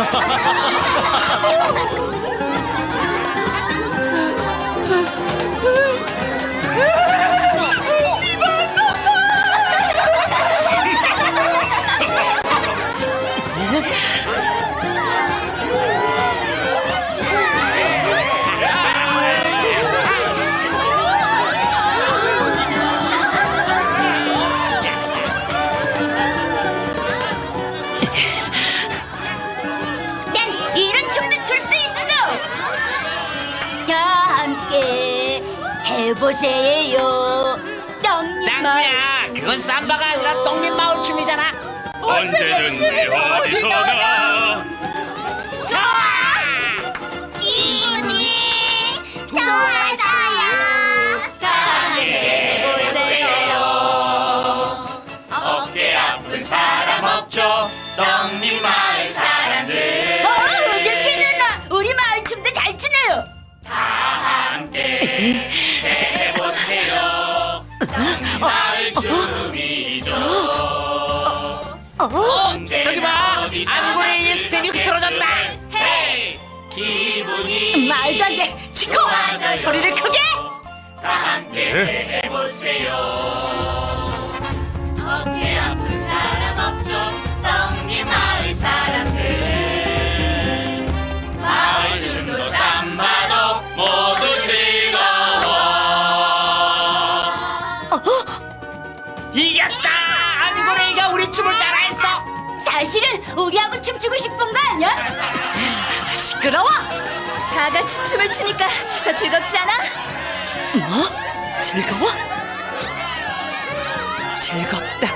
난 이런 춤도 출 수 있어. 다 함께 해보세요. 떡잎 마을. 짱구야, 그건 삼바가 아니라 떡잎 마을 춤이잖아. 언제든지 어디서나 좋아. 기분이 좋아져요. 다 함께 해보세요. 어깨 아픈 사람 없죠. 떡잎 마을 사람들 우주키 누나, 우리 마을 춤도 잘 추네요. 함께 해보세요. 떡잎 마을 춤이죠. 저기 봐, 안고레이의 스텝이 흐트러졌다. 헤이 기분이 말도 안 돼. 치코, 좋아져요. 소리를 크게. 다 함께 해보세요. 어깨 아픈 사람 없죠. 떡잎 마을 사람들 마을 춤도 삼바도 모두 즐거워. 이겼다. 안고레이가 우리 춤을 따라했어. 사실은 우리하고 춤추고 싶은 거 아니야? 시끄러워. 다 같이 춤을 추니까 더 즐겁지 않아? 뭐? 즐거워? 즐겁다.